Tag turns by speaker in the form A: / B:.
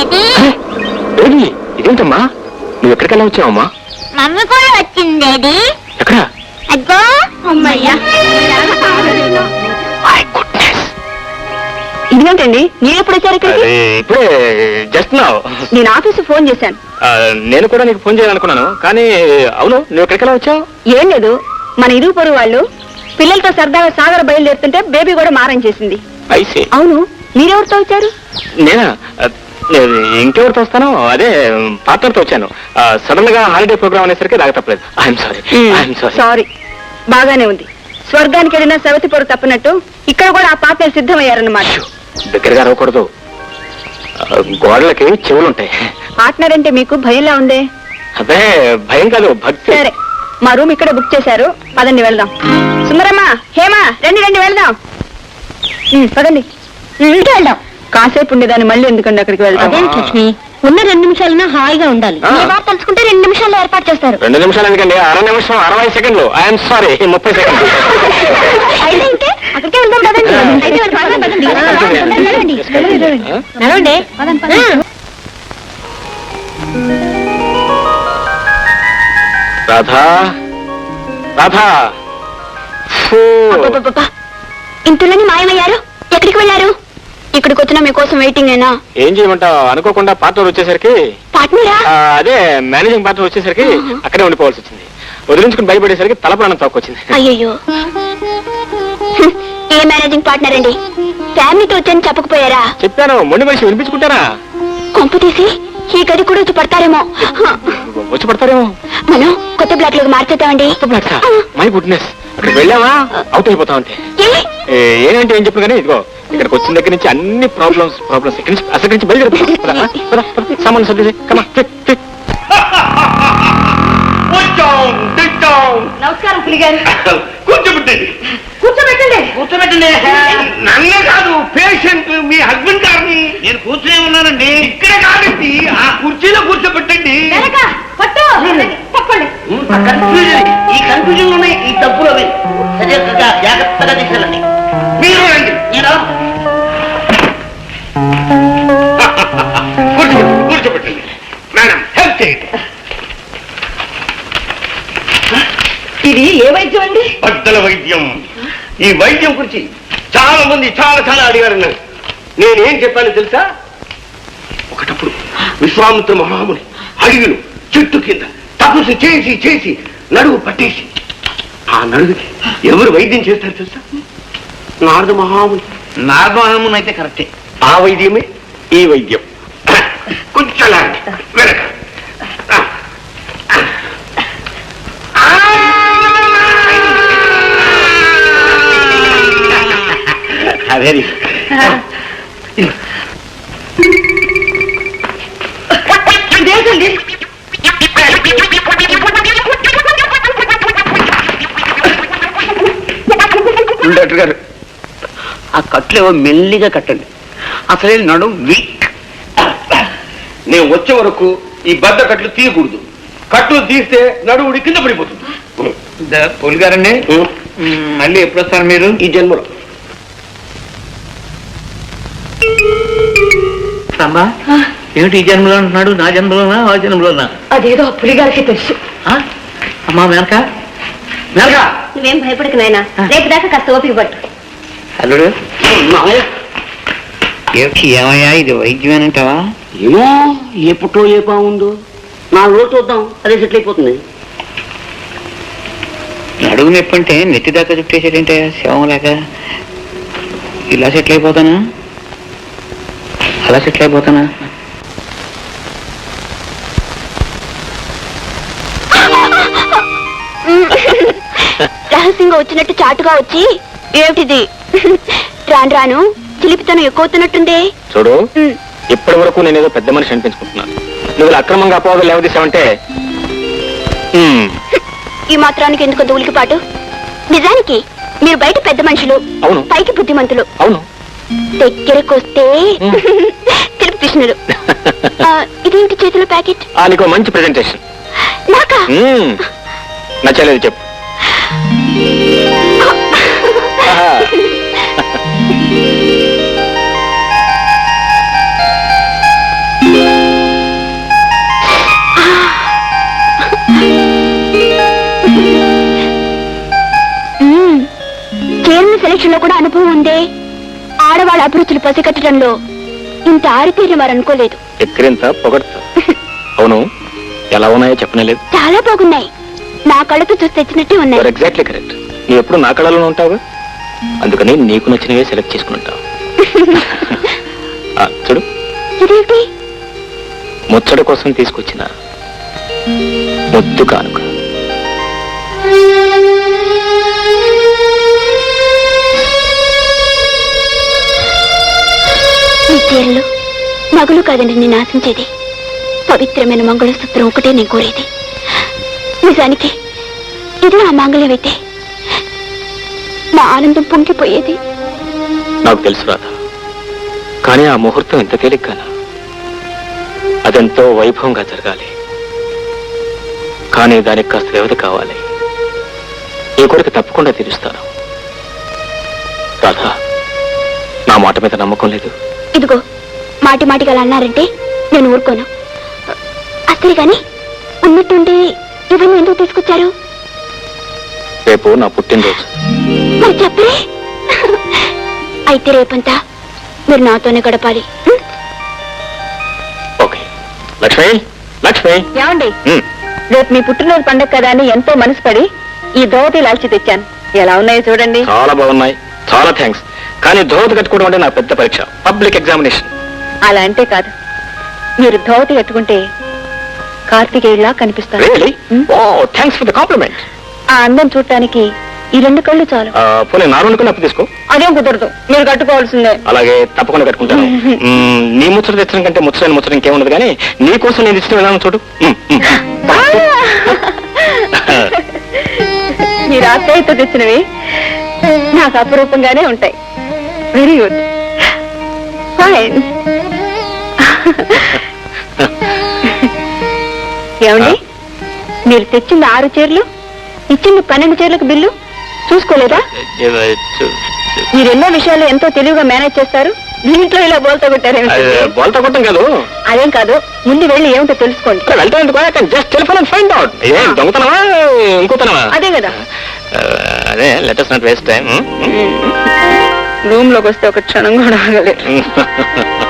A: Daddy ఇదేంటమ్మా నువ్వు ఎక్కడికల్లా వచ్చావమ్మా?
B: Mummy కూడా వచ్చింది డాడీ.
A: ఎక్కడ?
B: అగ్గో అమ్మయ్యా.
C: ఇదేంటండి మీరు ఎప్పుడు వచ్చారు ఇక్కడికి?
A: ఇప్పుడే జస్ట్ నౌ.
C: నేను ఆఫీసు ఫోన్ చేశాను.
A: నేను కూడా నీకు ఫోన్ చేయాలనుకున్నాను కానీ అవును నువ్వు ఎక్కడికల్లా వచ్చావు?
C: ఏం లేదు, మన ఇరుగు పొరుగు వాళ్ళు పిల్లలతో సరదాగా సాగర బయలుదేరుతుంటే బేబీ కూడా మారం చేసింది. అవును మీరెవరితో వచ్చారు?
A: నేనా? ఇంకెవరితో వస్తాను, అదే పార్ట్నర్తో వచ్చాను. సడన్ గా హాలిడే ప్రోగ్రామ్ అనేసరికి రాక తప్పలేదు. I'm sorry.
C: సారీ. బాగానే ఉంది. స్వర్గానికి వెళ్ళిన సవతి పొరు తప్పినట్టు ఇక్కడ కూడా ఆ పార్ట్నర్ సిద్ధమయ్యారన్నమాట.
A: దగ్గరగా రాకూడదు, గోడలకి చెవులుంటాయి.
C: పార్ట్నర్ అంటే మీకు భయంలా ఉందే?
A: అదే భయం కాదు, భక్తి.
C: సరే మా రూమ్ ఇక్కడ బుక్ చేశారు, పదండి వెళ్దాం. సుందరమ్మ, హేమా, రండి రండి వెళ్దాం. పదండి వెళ్దాం. కాసేపు ఉండేదాన్ని మళ్ళీ ఎందుకండి అక్కడికి వెళ్దాం?
B: లక్ష్మి ఉన్న 2 నిమిషాలన్నా హాయిగా ఉండాలి. తలుచుకుంటే 2 నిమిషాల్లో ఏర్పాటు చేస్తారు.
A: 2 నిమిషాలు ఎందుకండి? 1/2 నిమిషం 60 సెకండ్లు. ఐఎమ్ సారీ 30 సెకండ్లు.
C: అయితే అక్కడికే వెళ్దాం కదండి. నడవండి.
A: రాధా రాధా,
C: ఇంతలోని మాయమయ్యారు. ఎక్కడికి వెళ్ళారు? ఇక్కడికి వచ్చినా మీకోసం వెయిటింగ్ అయినా.
A: ఏం చేయమంటావు, అనుకోకుండా పార్ట్నర్ వచ్చేసరికి,
C: పార్ట్నరా?
A: అదే మేనేజింగ్ పార్ట్నర్ వచ్చేసరికి అక్కడే ఉండిపోవాల్సి వచ్చింది. వదిలించుకుని భయపడేసరికి తల ప్రాణం తక్కువచ్చింది.
C: అయ్యో, ఏ మేనేజింగ్ పార్ట్నర్ అండి? ఫ్యామిలీతో వచ్చని చెప్పకపోయారా?
A: చెప్పాను, మొండి మనిషి వినిపించుకుంటారా?
C: కొంపు తీసి ఈ గది కూడా వచ్చి పడతారేమో.
A: వచ్చి పడతారేమో.
C: మనం కొత్త బ్లాక్ లోకి మార్చేద్దామండి.
A: మై గుడ్నెస్, అక్కడికి వెళ్ళావా అవుట్ అయిపోతా ఉంటే. ఏంటంటే ఏం చెప్పను కానీ ఇదిగో ఇక్కడికి వచ్చిన దగ్గర నుంచి అన్ని ప్రాబ్లమ్స్ అసలు నుంచి బయలుదేరి సామాన్లు సర్ది.
C: నమస్కారం పులిగారు.
D: కూర్చోబెట్టండి
C: కూర్చోబెట్టండి.
D: కూర్చోబెట్టండి. నన్నే కాదు, పేషెంట్ మీ హస్బెండ్ గారిని. నేను కూర్చునే ఉన్నానండి. ఇక్కడ కాదండి, ఆ కుర్చీలో కూర్చోబెట్టండి. ఈ కన్ఫ్యూజన్ లోనే ఈ తప్పులు అవి సరిగ్గా జాగ్రత్తగా తీసుకెళ్ళండి. మీరు రండి. కూర్చోబెట్టండి మేడం, హెల్ప్ చేయండి.
C: ఇది ఏ వైద్యం అండి?
D: బద్దల వైద్యం. ఈ వైద్యం గురించి చాలా మంది చాలా అడిగారు. నేనేం చెప్పాను తెలుసా? ఒకటప్పుడు విశ్వామిత్ర మహాముని అడవిలో చెట్టు కింద తపస్సు చేసి నడువు పట్టేసి, ఆ నడువుకి ఎవరు వైద్యం చేస్తారు తెలుసా? నారద మహాముని. నారద మహాముని అయితే కరెక్టే. ఆ వైద్యమే ఈ వైద్యం. కొంచెం వెనక. అదే డాక్టర్ గారు, ఆ కట్లు ఏవో మెల్లిగా కట్టండి. అసలే నడు వీక్. నేను వచ్చే వరకు ఈ బద్ద కట్లు తీయకూడదు. కట్లు తీస్తే నడువుడి కింద పడిపోతుంది. పోలి గారండి, మళ్ళీ ఎప్పుడు వస్తారు మీరు? ఈ జన్మలో. అమ్మా ఏమిటి ఈ జన్మలో అంటున్నాడు? నా జన్మలోనా ఆ జన్మలోనా?
C: అదేదో పులిగారికి తెలుసు.
D: అమ్మా మేనక,
C: నువ్వేం భయపడకు నాయనా, రేపు దాకా కాస్త ఓపిక పట్టు.
D: అల్లుడు ఏమయ్యా, ఇది వైద్యమేనంటావా? ఏమో, ఏ పుట్టో ఏ బాగుందో. 4 రోజులు చూద్దాం, అదే సెటిల్ అయిపోతుంది. నడుగు నొప్పి అంటే నెత్తి దాకా చుట్టేసేటంటే శవం లేక ఇలా సెటిల్ అయిపోతానా, అలా సెటిల్ అయిపోతానా?
C: రహస్యంగా వచ్చినట్టు చాటుగా వచ్చి ఏమిటిది రాను చిలిపితనం ఎక్కువవుతున్నట్టుందే.
A: చూడు, ఇప్పటి వరకు నేనేదో పెద్ద మనిషి అనిపించుకుంటున్నాను. నువ్వు అక్రమంగా అపోహలు లేవదీసావంటే
C: ఈ మాత్రానికి ఎందుకు ఉలికిపాటు? నిజానికి మీరు బయట పెద్ద మనుషులు,
A: అవును,
C: పైకి బుద్ధిమంతులు.
A: అవును,
C: దగ్గరకు వస్తే తిరుపతి కృష్ణుడు. ఇదేంటి చేతిలో ప్యాకెట్?
A: నీకు మంచి ప్రెజెంటేషన్.
C: నాకా?
A: నచ్చలేదు చెప్పు.
B: విషయంలో కూడా అనుభవం ఉందే. ఆడవాళ్ళ అభిరుచులు పసిగట్టడంలో ఇంత ఆరితేరిన వారు అనుకోలేదు.
A: ఎక్కిరింత పొగడతా. అవును, ఎలా ఉన్నాయో చెప్పనలేదు.
B: చాలా బాగున్నాయి. నా కళ్ళతో చూసి తెచ్చినట్టే ఉన్నాయి.
A: Exactly correct. నువ్వు ఎప్పుడు నా కళలోనే ఉంటావుగా, అందుకని నీకు నచ్చినవే సెలెక్ట్ చేసుకుని ఉంటావు. చూడు,
B: ఇదేంటి?
A: ముచ్చట కోసం తీసుకొచ్చిన ముద్దు కానుక.
B: ఈ చీరలు నగలు కాదండి నేను ఆశించేది. పవిత్రమైన మంగళసూత్రం ఒకటే నేను కోరేది. నిజానికి ఇది నా మంగళమైతే నా ఆనందం పొంగిపోయేది.
A: నాకు తెలుసు రాధా, కానీ ఆ ముహూర్తం ఎంత తేలిగ్గానా. అదెంతో వైభవంగా జరగాలి, కానీ దానికి కాస్త వ్యవధి కావాలి. ఈ కోరిక తప్పకుండా తీరుస్తాను. రాధా, నా మాట మీద నమ్మకం లేదు.
B: ఇదిగో మాటి మాటిగా అలా అన్నారంటే నేను ఊరుకోను. అసలు గాని ఉన్నట్టుండి ఇవన్నీ ఎందుకు తీసుకొచ్చారు?
A: రేపు నా పుట్టినరోజు.
B: మరి చెప్పరే. అయితే రేపంతా మీరు నాతోనే గడపాలి.
A: ఓకే. లక్ష్మి, లక్ష్మి.
C: ఏమండి,
A: ఉమ్,
C: రేపు మీ పుట్టినరోజు పండగ కదా అని ఎంతో మనసు పడి ఈ ధోవతి లాల్చి తెచ్చాను. ఎలా ఉన్నాయో చూడండి.
A: చాలా బాగున్నాయి. చాలా థ్యాంక్స్. కానీ ధోవతి కట్టుకోవడం అంటే నా పెద్ద పరీక్ష, పబ్లిక్ ఎగ్జామినేషన్.
C: అలా అంటే కాదు, మీరు ధోవతి కట్టుకుంటే కార్తికేయులా కనిపిస్తారు.
A: రియలీ? ఓ, థ్యాంక్స్ ఫర్ ద కాంప్లిమెంట్.
C: ఆ అందం చూడటానికి ఈ 2 కళ్ళు చాలు.
A: పోనీ నా 2 కళ్ళు అప్పు తీసుకో.
C: అదేం కుదరదు, మీరు కట్టుకోవాల్సిందే.
A: అలాగే తప్పకుండా కట్టుకుంటాను. నీ ముచ్చట తెచ్చడం కంటే ముచ్చటైన ముచ్చట ఇంకేముండదు, కానీ నీ కోసం నేను ఇచ్చిన విధానం చూడు.
C: మీరు ఆశ్రయతో తెచ్చినవి నాకు అపురూపంగానే ఉంటాయి. Very good, fine. ఏమండి, మీరు తెచ్చింది 6 చీరలు, ఇచ్చింది 12 చీరలకు బిల్లు చూసుకోలేదా? మీరు ఎన్నో విషయాలు ఎంతో తెలివిగా మేనేజ్ చేస్తారు. దీంట్లో ఇలా బోల్తా కొట్టారేమిటి?
A: బోల్తా కొట్టం కాదు.
C: అదేం కాదు, ముందు వెళ్ళి ఏమిటో తెలుసుకోండి.
A: వెళ్తా ఎందుకు, just telephone and find out. ఏం దొంగతనమా ఇంకోతనమా?
C: అదే కదా.
A: అదే, let us not waste time.
C: Room లోకి వస్తే ఒక క్షణం కూడా ఆగలేదు.